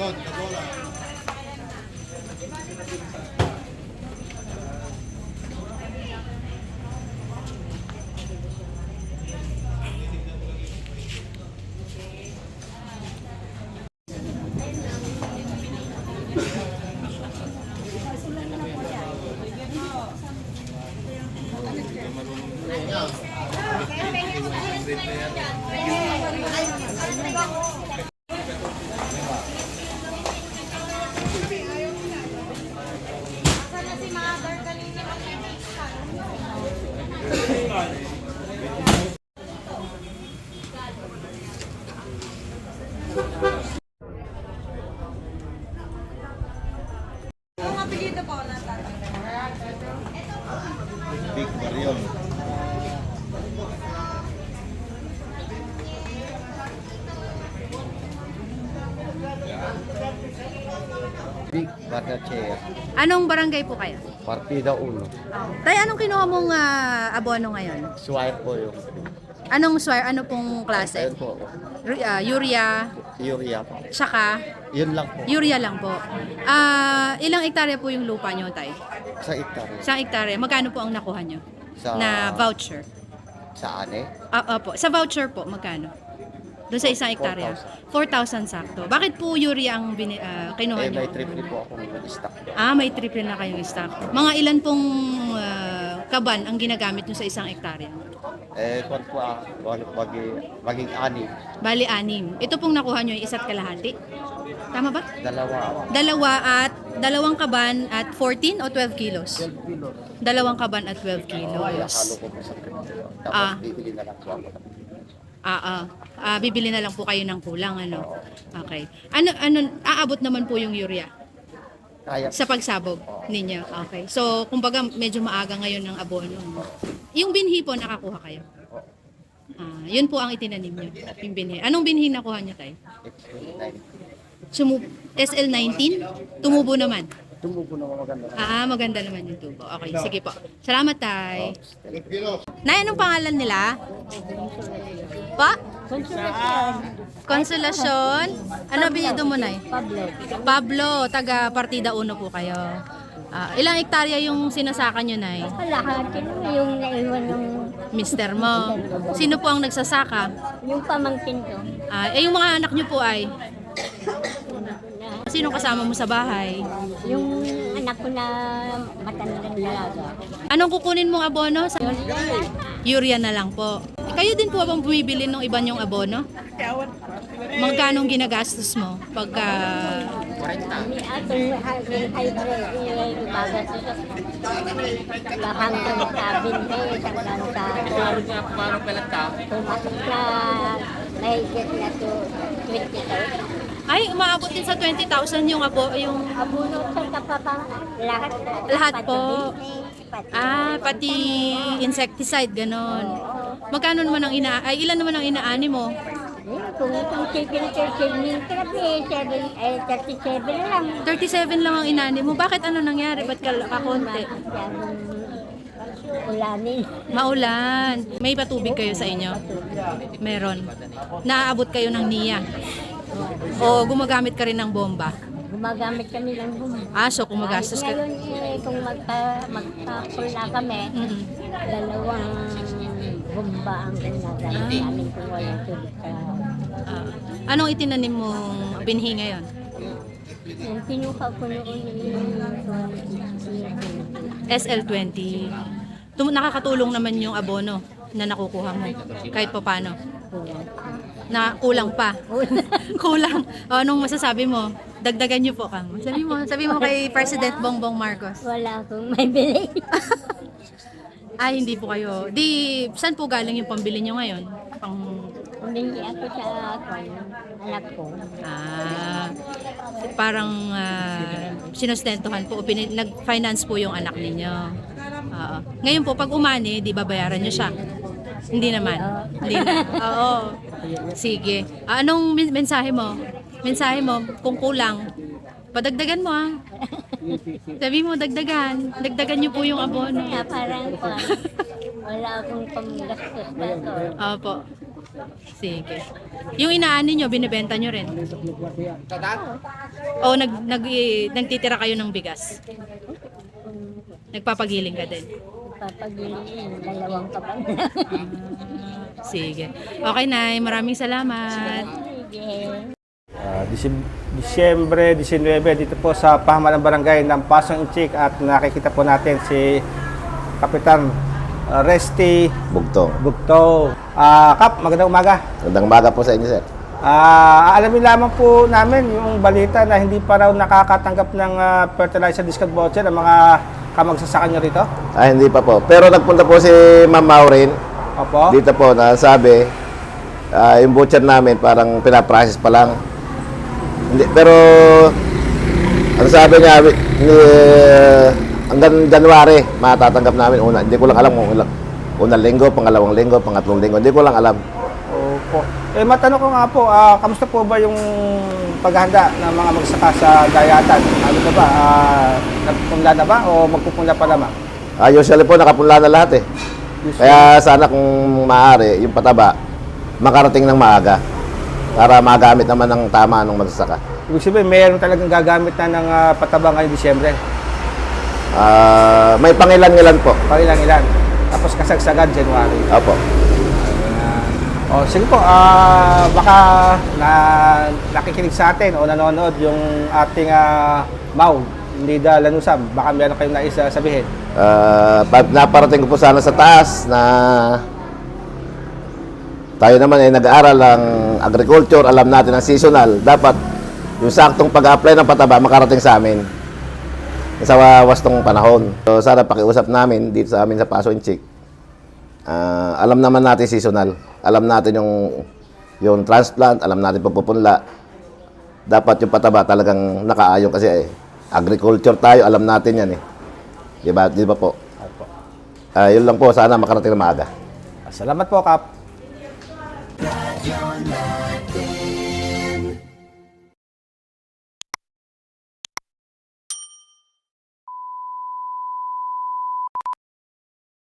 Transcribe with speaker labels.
Speaker 1: Big Baryon. Big Bardache.
Speaker 2: Anong barangay po kayo?
Speaker 1: Partida 1.
Speaker 2: Tay, anong kinuha mong abono ngayon?
Speaker 1: Swipe po yung.
Speaker 2: Anong swire? Ano pong klase?
Speaker 1: Ayun po.
Speaker 2: Urea,
Speaker 1: Urea po.
Speaker 2: tsaka
Speaker 1: Yun lang po.
Speaker 2: urea lang po. Ilang hektarya po yung lupa nyo, Tay?
Speaker 1: Sa hektarya.
Speaker 2: Isang hektarya. Magkano po ang nakuha nyo?
Speaker 1: Sa-
Speaker 2: Na voucher?
Speaker 1: Sa ane?
Speaker 2: Opo. Sa voucher po, magkano? Doon sa isang hektarya? 4,000 sakto. Bakit po urea ang kinuha
Speaker 1: Eh,
Speaker 2: nyo?
Speaker 1: may triple po akong stock.
Speaker 2: May triple na kayong stock. Mga ilan pong kaban ang ginagamit nyo sa isang hektarya?
Speaker 1: Eh, kung po maging ani.
Speaker 2: Bali, 6. Ito pong nakuha nyo, isa't kalahati. Tama ba?
Speaker 1: Dalawa.
Speaker 2: Dalawang kaban at 14 o 12 kilos?
Speaker 1: 12 kilo.
Speaker 2: Dalawang kaban at 12
Speaker 1: Halo
Speaker 2: kilos.
Speaker 1: ko po sa triple. Tapos
Speaker 2: Ah.
Speaker 1: bibili na lang po ako.
Speaker 2: Bibili na lang po kayo ng kulang, ano? Okay. Aabot naman po yung urea
Speaker 1: Kaya.
Speaker 2: sa pagsabog ninyo. Okay. So, kumbaga, medyo maaga ngayon ng abono. Yung binhi po, nakakuha kayo? Yun po ang itinanim nyo, yung binhi. Anong binhi nakuha nyo, Tay? SL19? Tumubo naman?
Speaker 1: Tumubo na maganda.
Speaker 2: Maganda naman yung tubo. Okay, sige po. Salamat, Tay. Nay, anong pangalan nila? Pa? Konsolasyon. Ano apelyido mo, Nay? Pablo, taga Partida 1 po kayo. Ilang hektarya yung sinasaka nyo, Nay?
Speaker 3: Kalahati naman yung naiwan ng
Speaker 2: Mister mo. Sino po ang nagsasaka?
Speaker 3: yung pamangkin ko.
Speaker 2: Yung mga anak nyo po ay? Sino kasama mo sa bahay?
Speaker 3: Yung anak ko na matandang dalaga.
Speaker 2: Anong kukunin mong abono? Urea na lang po. Kayo din po bang bumibili ng iba nyong abono? Magkano ginagastos mo pagka...
Speaker 3: Ni atong hybrid ibagas sa hanggang sa 20 hanggang sa pumasok na mahigit na to 20,000.
Speaker 2: Ay, umaabot din sa 20,000 yung yung
Speaker 3: Abuno sa kapapang lahat.
Speaker 2: Lahat po.
Speaker 3: Pati
Speaker 2: Pati insecticide ganon. Magkano naman ang ilan naman ang inaani mo?
Speaker 3: kung itong 7 37 na lang.
Speaker 2: 37 lang ang inaani mo. Bakit ano nangyari? Ba't kakonti?
Speaker 3: Ulanin.
Speaker 2: Maulan. May patubig kayo sa inyo? Meron. Naaabot kayo ng NIA? O gumagamit ka rin ng bomba?
Speaker 3: Gumagamit kami ng bumba.
Speaker 2: So gumagastos ka.
Speaker 3: Ngayon kung magpapula kami, dalawang bomba ang ginagamit namin kung walang tubig ka.
Speaker 2: Anong itinanim mong binhi ngayon?
Speaker 3: Yung pinuha ko noon
Speaker 2: SL20. Nakakatulong naman yung abono na nakukuha mo kahit pa paano. Na kulang pa. Kulang. Anong masasabi mo? Dagdagan niyo po kang. Sabi mo kay President Bongbong Marcos.
Speaker 3: wala akong may bili.
Speaker 2: Hindi po kayo. Saan po galing yung pambili niyo ngayon?
Speaker 3: Humingi ako sa anak ko.
Speaker 2: Parang sinustentuhan po, nag-finance po yung anak ninyo. Ngayon po, pag umani, di babayaran nyo siya? Hindi naman. Hindi na. Oo. Sige. Anong mensahe mo? Mensahe mo, kung kulang, padagdagan mo Sabi mo, dagdagan. Dagdagan nyo po yung abono.
Speaker 3: Kaya parang wala akong panggastos na to.
Speaker 2: Opo. Sige. Yung inaani nyo, binibenta nyo rin? O nagtitira kayo ng bigas? Nagpapagiling ka din?
Speaker 3: Papagiling, dalawang kaban.
Speaker 2: Sige. Okay, Nay. Maraming salamat.
Speaker 3: Sige.
Speaker 4: Disyembre 19 dito po sa pamahalaan barangay ng Pasong Inchik at nakikita po natin si Kapitan Resty Bugto. Kap, magandang umaga.
Speaker 1: Magandang umaga po sa inyo, sir.
Speaker 4: Alamin lamang po namin yung balita na hindi pa raw nakakatanggap ng fertilizer discount voucher ang mga kamagsasaka nyo rito.
Speaker 1: Hindi pa po. Pero nagpunta po si Ma'am Maureen
Speaker 4: Opo.
Speaker 1: dito po na sabi, yung voucher namin parang pinaprocess pa lang. Hindi, pero ang sabi niya, hanggang January matatanggap namin una. Hindi ko lang alam kung unang linggo, pangalawang linggo, pangatlong linggo. Hindi ko lang alam.
Speaker 4: Opo. Matanong ko nga po, kamusta po ba yung paghahanda ng mga magsaka sa Dayatan? Ano na ba? Nagpupunla na ba o magpupunla pa naman?
Speaker 1: Usually po nakapunla na lahat eh. Kaya sana kung maaari, yung pataba, makarating ng maaga para magamit naman ng tama ng magsasaka.
Speaker 4: Ibig sabihin, mayroon talagang gagamit na ng pataba ngayong Disyembre.
Speaker 1: May pangilan-ngilan po.
Speaker 4: Pangilan-ilan. Tapos kasagsagan January.
Speaker 1: Opo.
Speaker 4: Sige po, baka nakikinig sa atin o nanonood yung ating Mau, Nida Lanusam. Baka meron kayong nais sabihin.
Speaker 1: Naparating ko po sana sa taas na tayo naman ay nag-aaral ng agriculture, alam natin ang seasonal. Dapat yung saktong pag-apply ng pataba makarating sa amin sa wastong panahon. So, sana pakiusap namin dito sa amin sa Pasong Inchik. Alam naman natin seasonal. Alam natin yung transplant, alam natin pagpupunla. Dapat yung pataba talagang nakaayon kasi agriculture tayo, alam natin yan eh. Di ba po? Yun lang po, sana makarating na maaga.
Speaker 4: Salamat po, Kap.